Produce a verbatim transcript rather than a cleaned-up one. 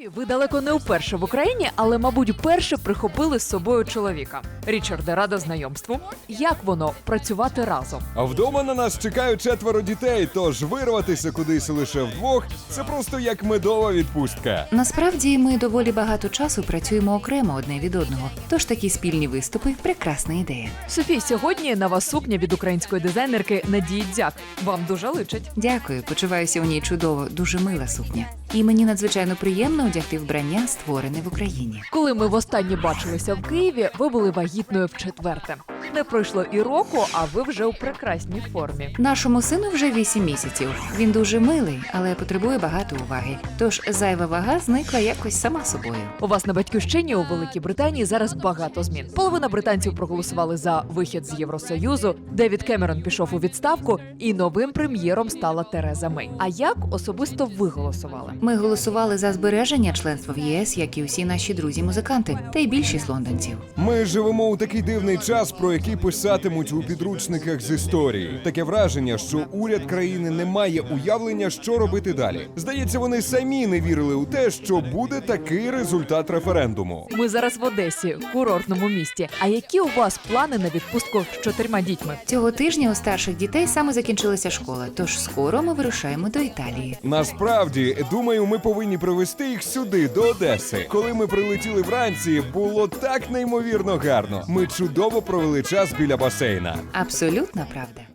Ви далеко не вперше в Україні, але, мабуть, вперше прихопили з собою чоловіка. Річарде, рада знайомству. Як воно працювати разом? А вдома на нас чекають четверо дітей, тож вирватися кудись лише вдвох – це просто як медова відпустка. Насправді ми доволі багато часу працюємо окремо одне від одного, тож такі спільні виступи – прекрасна ідея. Софій, сьогодні на вас сукня від української дизайнерки Надії Дзяк. Вам дуже личить. Дякую, почуваюся у ній чудово, дуже мила сукня. І мені надзвичайно приємно одягти вбрання, створене в Україні. Коли ми востаннє бачилися в Києві, ви були вагітною вчетверте. Не пройшло і року, а ви вже у прекрасній формі. Нашому сину вже вісім місяців. Він дуже милий, але потребує багато уваги. Тож зайва вага зникла якось сама собою. У вас на батьківщині у Великій Британії зараз багато змін. Половина британців проголосували за вихід з Євросоюзу, Девід Кемерон пішов у відставку, і новим прем'єром стала Тереза Мей. А як особисто ви голосували? Ми голосували за збереження членства в ЄС, як і усі наші друзі-музиканти, та й більшість лондонців. Ми живемо у такий дивний час, про який писатимуть у підручниках з історії. Таке враження, що уряд країни не має уявлення, що робити далі. Здається, вони самі не вірили у те, що буде такий результат референдуму. Ми зараз в Одесі, курортному місті. А які у вас плани на відпустку з чотирма дітьми? Цього тижня у старших дітей саме закінчилася школа, тож скоро ми вирушаємо до Італії. Насправді, думаю, ми повинні привезти їх сюди, до Одеси. Коли ми прилетіли вранці, було так неймовірно гарно. Ми чудово провели час біля басейна. Абсолютна правда.